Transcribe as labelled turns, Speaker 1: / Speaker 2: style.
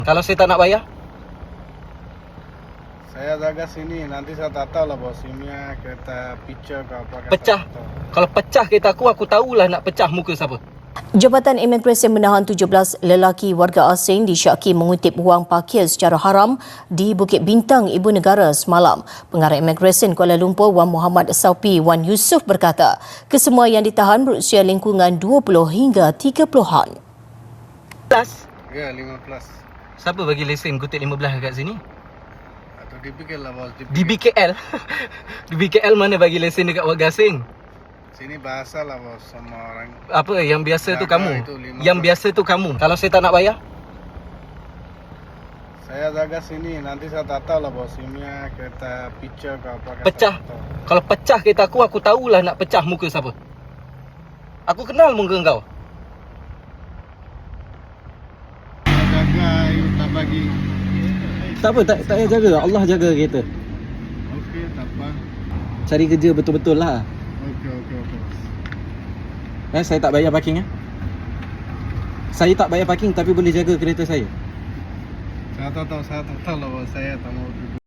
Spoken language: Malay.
Speaker 1: Kalau saya tak nak bayar?
Speaker 2: Saya jaga sini, nanti saya tak tahu lah bos, simnya kereta picture ke apa.
Speaker 1: Pecah. Kalau pecah kereta aku tahulah nak pecah muka siapa.
Speaker 3: Jabatan Imigresen menahan 17 lelaki warga asing disyaki mengutip wang parkir secara haram di Bukit Bintang, Ibu Negara semalam. Pengarah Imigresen Kuala Lumpur Wan Muhammad Saupi Wan Yusof berkata, kesemua yang ditahan berusia lingkungan 20 hingga 30-an.
Speaker 2: Ya, 15.
Speaker 1: Siapa bagi lesen kutip 15 kat sini?
Speaker 2: Atau DPKL lah bos.
Speaker 1: Di BKL. Di BKL mana bagi lesen dekat warga asing?
Speaker 2: Sini bahasa lah bos sama orang.
Speaker 1: Apa yang biasa tu
Speaker 2: Jaga
Speaker 1: kamu?
Speaker 2: itu 15.
Speaker 1: Yang biasa tu kamu. Kalau saya tak nak bayar?
Speaker 2: Saya jaga sini, nanti saya tak tahu lah bos, simnya kereta picture ke apa.
Speaker 1: Pecah. Kalau pecah kereta aku tahulah nak pecah muka siapa. Aku kenal muka kau.
Speaker 2: Saya jaga, tak bagi.
Speaker 1: Tak apa, tak payah jaga. Allah jaga kereta.
Speaker 2: Okey, tak apa.
Speaker 1: Cari kerja betul-betul lah.
Speaker 2: Okey.
Speaker 1: Saya tak bayar parking. Saya tak bayar parking tapi boleh jaga kereta saya.
Speaker 2: Saya tak tahu lah bos, saya tak mau